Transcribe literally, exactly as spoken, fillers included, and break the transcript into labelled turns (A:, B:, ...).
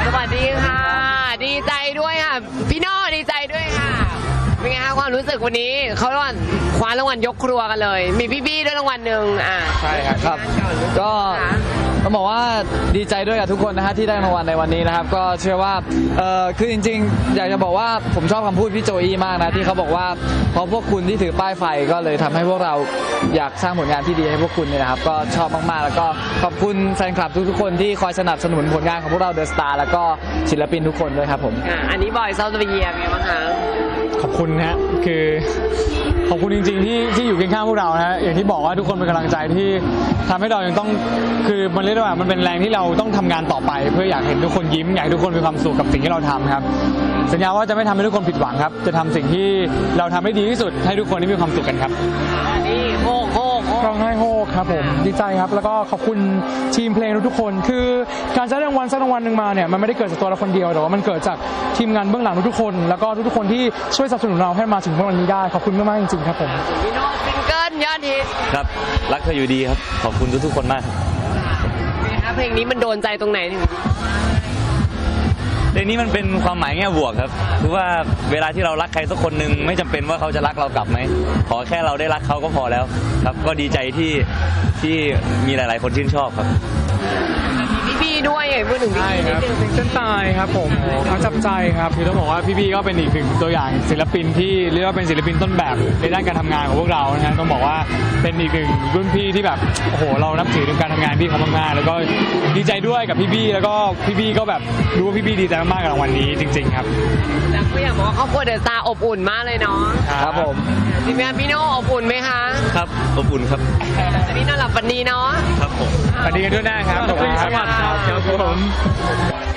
A: สวัสดีค่ะดีใจด้วยค่ะพี่โน่ดีใจด้วยค่ะเป็นไงคะความรู้สึกวันนี้เขารางวัลคว้ารางวัลยกครัวกันเลยมีพี่บี้ด้วยรางวัลหนึ่งอ่ะ
B: ใช่ครับก็ต้องบอกว่าดีใจด้วยกับทุกคนนะฮะที่ได้รางวัลในวันนี้นะครับก็เชื่อว่าเออคือจริงๆอยากจะบอกว่าผมชอบคำพูดพี่โจอี้มากนะที่เขาบอกว่าเพราะพวกคุณที่ถือป้ายไฟก็เลยทำให้พวกเราอยากสร้างผลงานที่ดีให้พวกคุณเนี่ยนะครับก็ชอบมากๆแล้วก็ขอบคุณแฟนคลับทุกๆคนที่คอยสนับสนุนผลงานของพวกเราเดอะสตาร์แล้วก็ศิลปินทุกคนด้วยครับผม
A: อันนี้บอยเซาท์เวียเป็นไงบ้างคะ
C: ขอบคุณนะฮะคือขอบคุณจริงๆที่ที่อยู่เคียงข้างพวกเรานะฮะอย่างที่บอกว่าทุกคนเป็นกำลังใจที่ทำให้เรายังต้องคือมันเรียกว่ามันเป็นแรงที่เราต้องทำงานต่อไปเพื่ออยากเห็นทุกคนยิ้มอยากให้ทุกคนมีความสุขกับสิ่งที่เราทำครับสัญญาว่าจะไม่ทำให้ทุกคนผิดหวังครับจะทำสิ่งที่เราทำให้ดีที่สุดให้ทุกคนได้มีความสุขกันครับ
A: นี่โฮกโฮก
D: ร้องไห้โฮกครับผมดีใจครับแล้วก็ขอบคุณทีมเพลงทุกๆคนคือการได้รางวัลสักรางวัลหนึ่งมาเนี่ยมันไม่ได้เกิดจากตัวเราคนเดียวแต่ว่ามันเกิดจากทีมงานเบื้องหลังทุกๆคนแล้วก็ทุกๆคนที่ช่วยสนับสนุนเราให้มาถึงวันนี้ได้ขอบคุณมากๆจริงๆครับผม
A: พี่โน่ซิงเกิลยอดฮิต
B: ครับรักเธออยู่ดีครับขอบคุณทุกๆคนมาก
A: ครับเพลงนี้มันโดนใจตรงไหนถึง
B: เพลงนี้มันเป็นความหมายแง่บวกครับคือว่าเวลาที่เรารักใครสักคนหนึ่งไม่จำเป็นว่าเขาจะรักเรากลับไหมขอแค่เราได้รักเขาก็พอแล้วครับก็ดีใจที่ที่มีหลายๆคนชื่นชอบครับ
A: พี่บี้ด้วยพูดถึงพี่บี้นิดนึง
D: เส้นตายครับผมเขาจับใจครับ
C: คือต้องบอกว่าพี่ๆก็เป็นอีกหนึ่งตัวอย่างศิลปินที่เรียกว่าเป็นศิลปินต้นแบบในด้านการทำงานของพวกเรานะฮะต้องบอกว่าเป็นอีกหนึ่งรุ่นพี่ที่แบบโอ้โหเรานับถือในการทำงานพี่เขามากๆแล้วก็ดีใจด้วยกับพี่ๆแล้วก็พี่ๆก็แบบรู้ว่าพี่ๆดีใจมากๆกับรางวัลนี้จริงๆครับ
A: แต่ก็อยากบอกว่าครอบครัวเดอะสตาร์อบอุ่นมากเลยเนาะ
B: ครับผม
A: ทีมงานพี่โน่อบอุ่นไหมคะ
B: ครับอบอุ่นครับ
A: วันนี้นอนหลับฝันดีเนาะ
B: ครับผม
C: ฝันดีกันด้วยนะครับขอบคุณครับ